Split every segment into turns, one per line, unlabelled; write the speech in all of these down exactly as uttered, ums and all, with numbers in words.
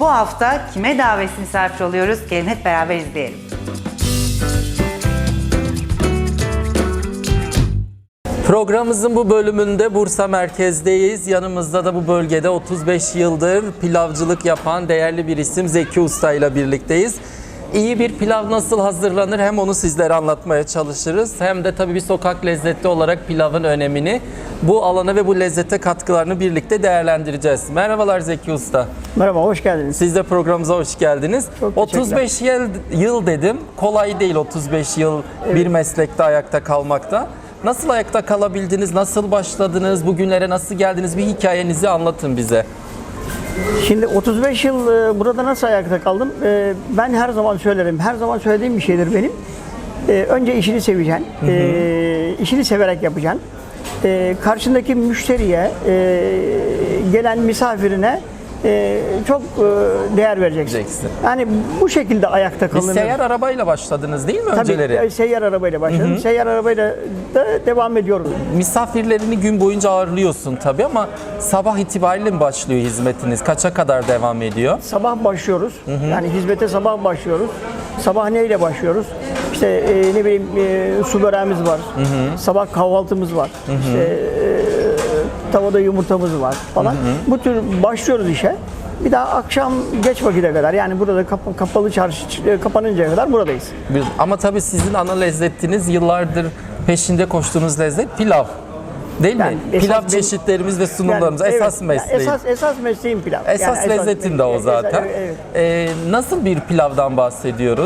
Bu hafta kime davetsiz misafir oluyoruz? Gelin hep beraber izleyelim.
Programımızın bu bölümünde Bursa merkezdeyiz. Yanımızda da bu bölgede otuz beş yıldır pilavcılık yapan değerli bir isim Zeki Usta ile birlikteyiz. İyi bir pilav nasıl hazırlanır hem onu sizlere anlatmaya çalışırız. Hem de tabii bir sokak lezzeti olarak pilavın önemini, bu alana ve bu lezzete katkılarını birlikte değerlendireceğiz. Merhabalar Zeki Usta.
Merhaba, hoş geldiniz.
Siz de programımıza hoş geldiniz.
Çok
otuz beş yıl, yıl dedim. Kolay değil otuz beş yıl
Evet.
bir meslekte ayakta kalmakta. Nasıl ayakta kalabildiniz? Nasıl başladınız? Bugünlere nasıl geldiniz? Bir hikayenizi anlatın bize.
Şimdi otuz beş yıl e, burada nasıl ayakta kaldım? E, Ben her zaman söylerim, her zaman söylediğim bir şeydir benim. E, Önce işini seveceksin, e, işini severek yapacaksın. E, Karşındaki müşteriye, e, gelen misafirine e, çok e, değer vereceksin.
Vereceksin.
Yani bu şekilde ayakta
Bir
kalınır.
seyyar arabayla başladınız değil mi
Tabii,
önceleri?
e, seyyar arabayla başladım. Seyyar arabayla da devam ediyorum.
Misafirlerini gün boyunca ağırlıyorsun tabii ama sabah itibariyle mi başlıyor hizmetiniz? Kaça kadar devam ediyor?
Sabah başlıyoruz. Yani hizmete sabah başlıyoruz. Sabah neyle başlıyoruz? İşte e, ne bileyim e, su böreğimiz var. Sabah kahvaltımız var. İşte e, tavada yumurtamız var falan. Bu tür başlıyoruz işe. Bir daha akşam geç vakite kadar, yani burada kap- kapalı çarşı e, kapanıncaya kadar buradayız.
Bir- Ama tabii sizin ana lezzetiniz yıllardır peşinde koştuğunuz lezzet pilav. Değil
Yani
mi?
esas
Pilav
benim-
çeşitlerimiz ve sunumlarımız
Yani
esas
evet,
mesleği.
Esas, esas mesleğim pilav.
Esas
Yani
lezzetin de o
esas-
zaten.
evet, evet.
Ee, nasıl bir pilavdan bahsediyoruz?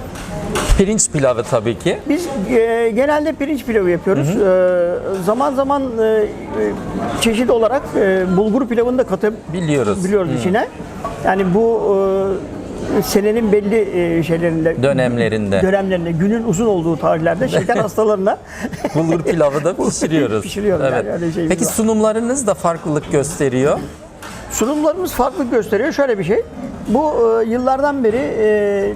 Pirinç pilavı tabii ki.
Biz e, genelde pirinç pilavı yapıyoruz. E, zaman zaman e, e, çeşit olarak e, bulgur pilavını da katıp
Biliyoruz.
biliyoruz içine. Yani bu e, senenin belli e, şeylerinde,
Dönemlerinde.
dönemlerinde, günün uzun olduğu tarihlerde şeker hastalarına
Bulgur pilavı da pişiriyoruz.
Pişiriyoruz yani, öyle şeyimiz
Peki
var.
sunumlarınız da farklılık gösteriyor.
sunumlarımız farklı gösteriyor. Şöyle bir şey. Bu e, yıllardan beri e,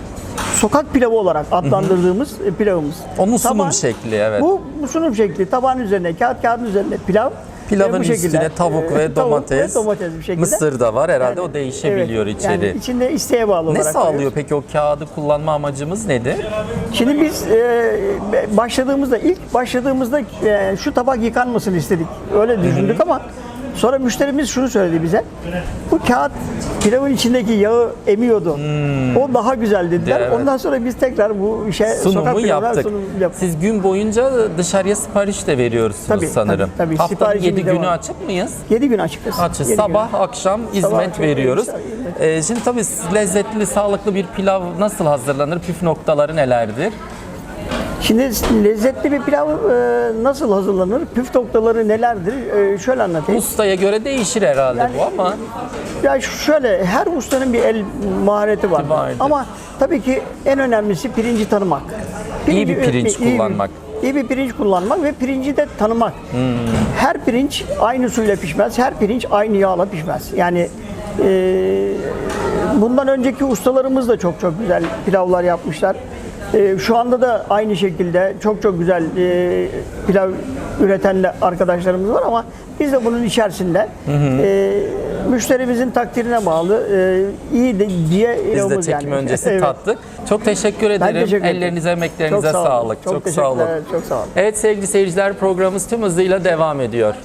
sokak pilavı olarak adlandırdığımız e, pilavımız.
Onun sunum
Taban-
şekli, evet.
Bu, bu sunum şekli. Tabağın üzerine, kağıt kağıdın üzerine pilav.
Pilavın
e, bu şekilde,
üstüne tavuk ve
e,
domates,
Tavuk ve domates bir şekilde.
mısır da var herhalde,
Yani,
o değişebiliyor
evet,
içeri.
Yani içinde isteğe bağlı
Ne
olarak.
sağlıyor
koyuyoruz.
peki, o kağıdı kullanma amacımız nedir?
Şimdi biz e, başladığımızda, ilk başladığımızda e, şu tabak yıkanmasını istedik. Öyle düşündük ama sonra müşterimiz şunu söyledi bize. Bu kağıt pilavın içindeki yağı emiyordu. O daha güzel dediler.
Evet.
Ondan sonra biz tekrar bu işe sokak
Sunumu
pilavına
yaptık.
sunum yaptık.
Siz gün boyunca dışarıya sipariş de veriyorsunuz
Tabii,
sanırım.
tabii, tabii.
Haftanın
Siparişimiz
yedi
de
günü
var.
açık mıyız?
yedi gün açıkız.
Açız.
Yedi
Sabah,
gün.
akşam hizmet
akşam
veriyoruz.
hizmet.
Ee, şimdi tabii lezzetli, sağlıklı bir pilav nasıl hazırlanır? Püf noktaları nelerdir?
Şimdi lezzetli bir pilav e, nasıl hazırlanır? Püf noktaları nelerdir? E, şöyle anlatayım.
Ustaya göre değişir herhalde
Yani-
bu ama
Ya şöyle, her ustanın bir el mahareti var.
Vardır.
Ama tabii ki en önemlisi pirinci tanımak.
İyi bir pirinç
iyi bir-
kullanmak.
İyi bir pirinç kullanmak ve pirinci de tanımak. Her pirinç aynı suyla pişmez, her pirinç aynı yağla pişmez. Yani e, bundan önceki ustalarımız da çok çok güzel pilavlar yapmışlar. E, şu anda da aynı şekilde çok çok güzel e, pilav üreten de arkadaşlarımız var ama biz de bunun içerisinde e, müşterimizin takdirine bağlı e, iyi de, diye
biz de çekim öncesi
Evet.
tattık. Çok teşekkür ederim.
teşekkür ederim.
Ellerinize, emeklerinize
Çok sağ olun.
sağlık.
Çok
Çok sağ
teşekkürler,
olun.
çok sağ olun.
Evet sevgili seyirciler, programımız tüm hızıyla devam ediyor.